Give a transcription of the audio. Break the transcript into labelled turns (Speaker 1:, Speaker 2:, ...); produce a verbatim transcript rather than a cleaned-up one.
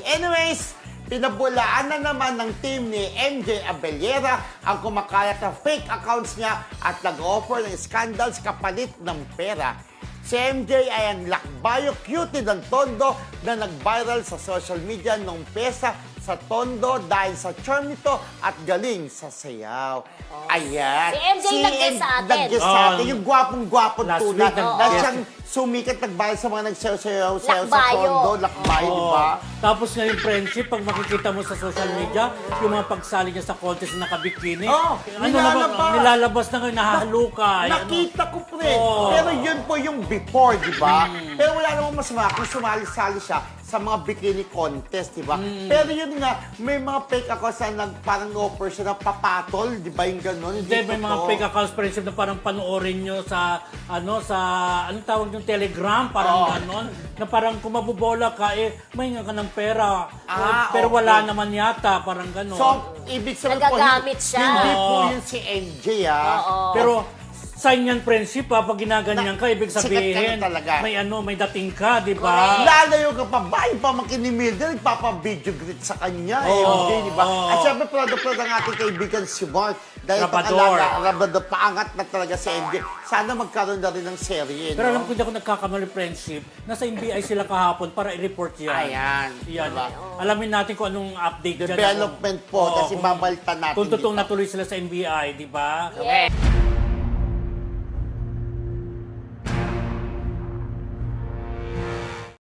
Speaker 1: Anyways, pinabulaan na naman ng team ni M J Abellera ang kumakalat na fake accounts niya at nag-offer ng scandals kapalit ng pera. Si M J ay ang lakbayo cutie ng Tondo na nag-viral sa social media nung pesa sa Tondo dahil sa charm nito at galing sa sayaw. Oh. Ayan.
Speaker 2: Si M J nag-guess sa atin.
Speaker 1: Nag-guess sa atin. Yung gwapong-gwapo
Speaker 3: Last
Speaker 1: tuna.
Speaker 3: week, nag-
Speaker 1: Na
Speaker 3: oh.
Speaker 1: siyang sumikat nagbayad sa mga nagsayaw-sayaw sa
Speaker 2: Lakbayo.
Speaker 1: Tondo. Lakbayo, di ba?
Speaker 3: Tapos nga yung friendship, pag makikita mo sa social media, yung mga pagsali niya sa contest na nakabikini,
Speaker 1: Oh,
Speaker 3: ano
Speaker 1: nilalabas.
Speaker 3: naman, nilalabas na ngayon, nahahalukay.
Speaker 1: Nakita ko pre.
Speaker 3: Oo.
Speaker 1: Pero yun po yung before, di ba?
Speaker 3: Mm.
Speaker 1: Pero wala namang masama kung sumali-sali siya sa mga bikini contest, di ba?
Speaker 3: Mm.
Speaker 1: Pero yun nga, may mga fake accounts na nag, parang offer siya na papatol, di ba yung gano'n?
Speaker 3: Hindi, may mga
Speaker 1: totoo.
Speaker 3: fake accounts friendship na parang panoorin nyo sa, ano, sa, anong tawag yung Telegram, parang
Speaker 1: Oo.
Speaker 3: ganon, na parang kung mabubola ka, eh, may nga ka ng pera.
Speaker 1: Ah,
Speaker 3: pero
Speaker 1: okay.
Speaker 3: wala naman yata, parang ganon.
Speaker 1: So, ibig sabihin po,
Speaker 2: Nagagamit siya.
Speaker 1: hindi po
Speaker 3: Oo.
Speaker 1: yun si M J, ah.
Speaker 2: Oo.
Speaker 3: Pero, sign yan friendship ha, pag ginaganyan
Speaker 1: Na-
Speaker 3: ka, ibig
Speaker 1: sikat ka
Speaker 3: sabihin,
Speaker 1: na talaga.
Speaker 3: may ano, may dating ka, di ba?
Speaker 2: Correct.
Speaker 1: Lalayo ka pa ba? Yung pamangkin ni Mildred, nagpapa-video greet sa kanya,
Speaker 3: Oo,
Speaker 1: M J, di ba?
Speaker 3: oo.
Speaker 1: At syempre, proud-proud ang ating kaibigan si Mark. Dahil
Speaker 3: Rabador.
Speaker 1: pag-alaga, Rabador, paangat na talaga si M J. Sana magkaroon na rin ng serye,
Speaker 3: Pero
Speaker 1: no?
Speaker 3: alam ko hindi ako nagkakamali friendship, nasa N B I sila kahapon para i-report yan.
Speaker 1: Ayan.
Speaker 3: Yan.
Speaker 1: Diba?
Speaker 3: Alamin natin kung anong update dyan.
Speaker 1: Development po,
Speaker 3: Oo,
Speaker 1: kasi
Speaker 3: kung-
Speaker 1: babalta natin
Speaker 3: Kung totoong
Speaker 1: dito.
Speaker 3: natuloy sila sa N B I, di ba?
Speaker 2: Yes.